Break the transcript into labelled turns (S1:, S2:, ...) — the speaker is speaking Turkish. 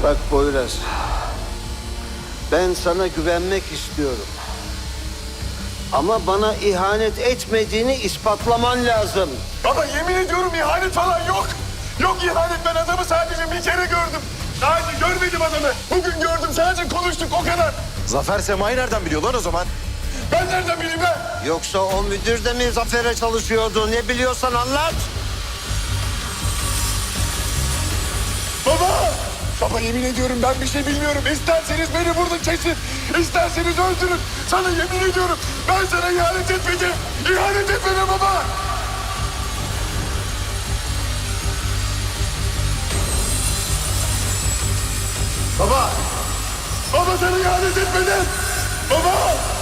S1: Bak Poyraz, ben sana güvenmek istiyorum. Ama bana ihanet etmediğini ispatlaman lazım.
S2: Baba yemin ediyorum ihanet falan yok. Yok ihanet, ben adamı sadece bir kere gördüm. Sadece görmedim adamı. Bugün gördüm, sadece konuştuk, o kadar.
S3: Zafer Sema'yı nereden biliyor lan o zaman?
S2: Ben nereden bileyim lan?
S1: Yoksa o müdür de mi Zafer'e çalışıyordu? Ne biliyorsan anlat.
S2: Baba! Baba yemin ediyorum ben bir şey bilmiyorum. İsterseniz beni burada kesin, isterseniz öldürün. Sana yemin ediyorum ben sana ihanet etmedim. İhanet etmedim baba! Baba! Baba sana ihanet etmedim! Baba!